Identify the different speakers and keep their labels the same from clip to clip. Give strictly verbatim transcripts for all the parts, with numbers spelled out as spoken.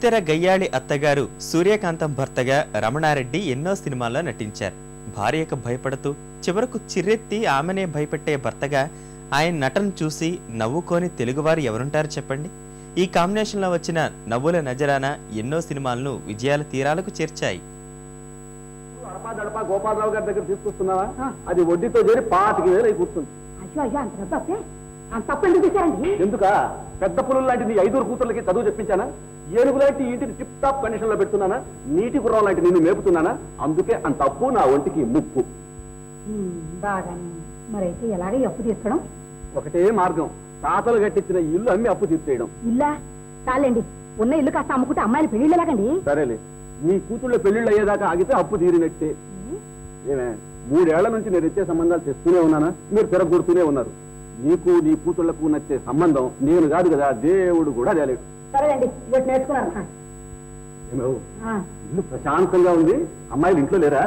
Speaker 1: బుల్లితెర గయ్యాళి అత్తగారు సూర్యకాంతం భర్తగా రమణారెడ్డి ఎన్నో సినిమాల్లో నటించారు. భార్యకు భయపడుతూ చివరకు చిర్రెత్తి ఆమెనే భయపెట్టే భర్తగా ఆయన నటన చూసి నవ్వుకోని తెలుగువారు ఎవరుంటారు చెప్పండి. ఈ కాంబినేషన్లో వచ్చిన నవ్వుల నజరానా ఎన్నో సినిమాలను విజయాల తీరాలకు చేర్చాయి.
Speaker 2: గోపాలరావు గారి దగ్గర తీసుకొస్తున్నావా? అది వడ్డీతో చేరి పాతికి వేలు అయి కూర్చుంది. ఎందుక పెద్ద పులులు లాంటి నీ ఐదుగురు కూతుర్లకి చదువు చెప్పించానా? ఏనుగు లాంటి ఇంటిని టిప్ టాప్ కండిషన్ లో పెడుతున్నానా? నీటి గుర్రం లాంటి నిన్ను మేపుతున్నానా? అందుకే అంత అప్పు నా ఒంటికి ముప్పు.
Speaker 3: మరైతే ఎలాగే అప్పు తీర్చడం?
Speaker 2: ఒకటే మార్గం, తాతలు కట్టించిన ఇల్లు అమ్మి అప్పు తీర్చేయడం.
Speaker 3: ఇల్లా చాలండి, ఉన్న ఇల్లు కాస్త అమ్ముకుంటే అమ్మాయిలు పెళ్లిళ్ళు ఎలాగండి?
Speaker 2: సరేలే, నీ కూతుళ్ళ పెళ్లిళ్ళు అయ్యేదాకా ఆగితే అప్పు తీరినట్టే. ఏమే మూడేళ్ల నుంచి నేను ఇచ్చే సంబంధాలు తెస్తూనే ఉన్నానా? మీరు తిరగొడుతూనే ఉన్నారు. నీకు నీ కూతుళ్లకు నచ్చే సంబంధం నేను కాదు కదా, దేవుడు కూడా తేలేడు.
Speaker 3: సరేండి, నేర్చుకున్నాను.
Speaker 2: ఇల్లు ప్రశాంతంగా ఉంది, అమ్మాయిలు ఇంట్లో లేరా?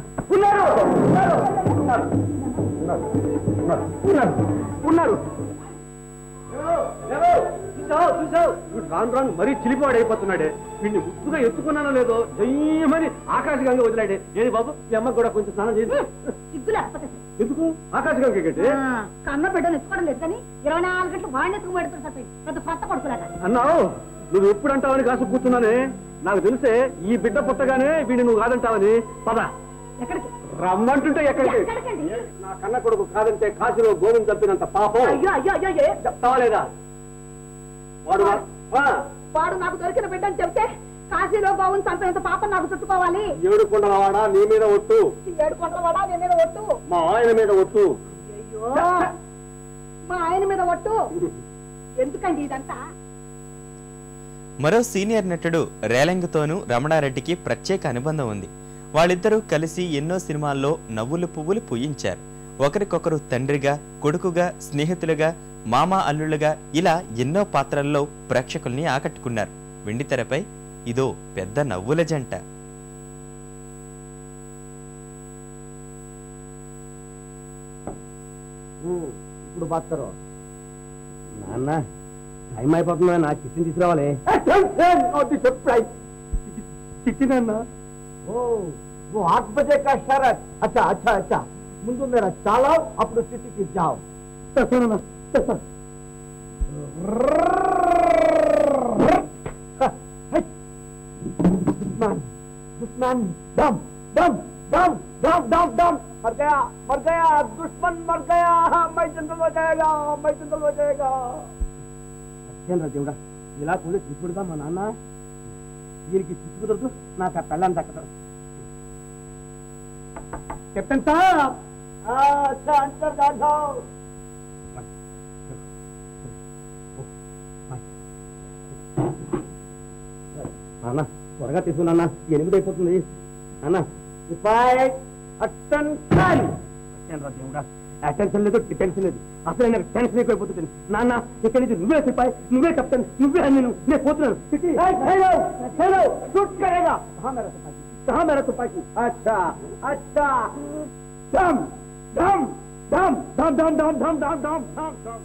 Speaker 2: ఉన్నారు. రాను రాను మరీ చిలిపాడు అయిపోతున్నాడే. వీడిని ముద్దుగా ఎత్తుకున్నానో లేదో జయమని ఆకాశగంగా వదిలాడే. ఏది బాబు, మీ అమ్మకు కూడా కొంచెం స్నానం చేసి. ఎందుకు ఆకాశగంగా కట్టి
Speaker 3: కన్న బిడ్డను ఎత్తుకోవడం లేదు కానీ ఇరవై నాలుగు గంటలు వాడిని ఎత్తుకు పెడుతుంది పెద్ద కొత్త కొడుకులాగా
Speaker 2: అన్నావు. నువ్వు ఎప్పుడు అంటావని కాసు కూర్చున్నానే. నాకు తెలిసే ఈ బిడ్డ పుట్టగానే వీడిని నువ్వు కాదంటావని. పద.
Speaker 3: ఎక్కడికి
Speaker 2: రమ్మంటుంటే ఎక్కడికి? నా కన్న కొడుకు కాదంటే కాశీలో గోవింద చంపినంత పాపం.
Speaker 3: అయ్యో అయ్యో అయ్యో
Speaker 2: చెప్తావా లేదా? వాడు
Speaker 3: వాడు నాకు దొరికిన బిడ్డ అని చెప్తే కాశీలో గోవింద చంపినంత పాపం నాకు చుట్టుకోవాలి.
Speaker 2: ఏడు కొండలవాడా నీ మీద ఒట్టు.
Speaker 3: ఏడు కొండలవాడా నీ మీద ఒట్టు.
Speaker 2: మా ఆయన మీద ఒట్టు.
Speaker 3: అయ్యో మా ఆయన మీద ఒట్టు. ఎందుకండి ఇదంతా?
Speaker 1: మరో సీనియర్ నటుడు రేలంగితోనూ రమణారెడ్డికి ప్రత్యేక అనుబంధం ఉంది. వాళ్ళిద్దరూ కలిసి ఎన్నో సినిమాల్లో నవ్వులు పువ్వులు పూయించారు. ఒకరికొకరు తండ్రిగా, కొడుకుగా, స్నేహితులుగా, మామా అల్లుళ్ళుగా ఇలా ఎన్నో పాత్రల్లో ప్రేక్షకుల్ని ఆకట్టుకున్నారు. వెండితెరపై ఇదో పెద్ద నవ్వుల జంట.
Speaker 2: ఇప్పుడు బాత్తారు నాన్న, టైం అయిపోతుందా? నా చిట్టిని తీసుకురావాలి. చిట్టి నాన్న. वो आठ बजे का शरत. अच्छा अच्छा अच्छा, ముందు मेरा चालाओ, అప్పుడు చిట్టికి जाओ. दुश्मन दुश्मन दम दम दम दम दम दम मर गया मर गया दुश्मन मर गया. मैं जंगल हो जाएगा मैं जंगल हो जाएगा. అచ్చేంద్ర దేవుడా, ఇలా కూడా తీసుకుడుగా మా నాన్న. వీరికి చిచ్చు కుదరదు, నాకు ఆ పెళ్ళాన్ని దక్కదు. కెప్టెన్ సాబ్, अच्छा अंदर जाओ. నాన్న త్వరగా తీసుకున్నా, ఎనిమిది అయిపోతుంది. నాన్న అటెన్షన్. దేవుడా, అటెన్షన్ లేదు, డిటెన్షన్ లేదు, అసలు నాకు టెన్షన్ ఎక్కువైపోతుంది. నాన్న ఇక్కడి నుంచి నువ్వే సిపాయి, నువ్వే కెప్టెన్, నువ్వే నేను నేను పోతున్నాను. कहाँ मेरा तुपाकी? अच्छा अच्छा. दम दम दम दम दम दम दम दम दम दम दम.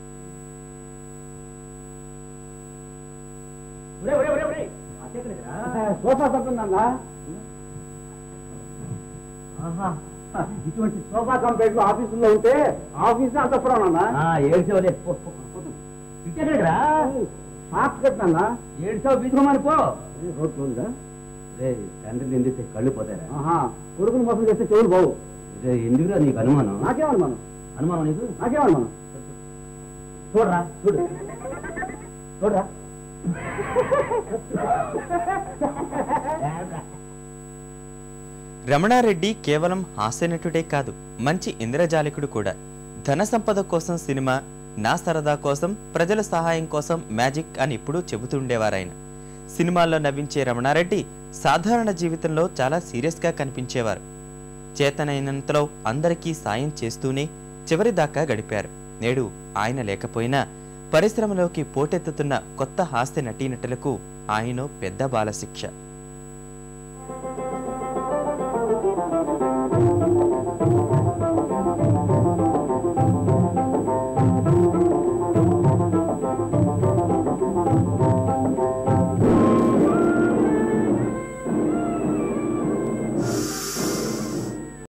Speaker 2: ఒరే ఒరే ఒరే ఒరే, సోఫా సత్తుందన్నా. ఇటువంటి సోఫా కంప్లైంట్ ఆఫీసులో ఉంటే ఆఫీస్ అంతపురానన్నా. ఏడ్చావులే, సాక్షి కట్టన్నా. ఏడ్చావు బీసుకోమని పో. రోడ్లు ఉందా? తండ్రి నిందిస్తే కళ్ళు పోతారా? కొడుకుని మోసం చేస్తే చెవులు బావు. ఎందుకురా నీకు అనుమానం? నాకేమనుమానం? అనుమానం నీకు? నాకేమనుమానం? చూడరా చూడు చూడరా.
Speaker 1: రమణారెడ్డి కేవలం హాస్యనటుడే కాదు, మంచి ఇంద్రజాలికుడు కూడా. ధన సంపద కోసం సినిమా, నా సరదా కోసం, ప్రజల సహాయం కోసం మ్యాజిక్ అని ఎప్పుడూ చెబుతుండేవారాయన. సినిమాల్లో నవ్వించే రమణారెడ్డి సాధారణ జీవితంలో చాలా సీరియస్గా కనిపించేవారు. చేతనైనంతలో అందరికీ సాయం చేస్తూనే చివరి దాకా గడిపారు. నేడు ఆయన లేకపోయినా పరిశ్రమలోకి పోటెత్తుతున్న కొత్త హాస్య నటీనటులకు ఆయన పెద్ద బాలశిక్ష.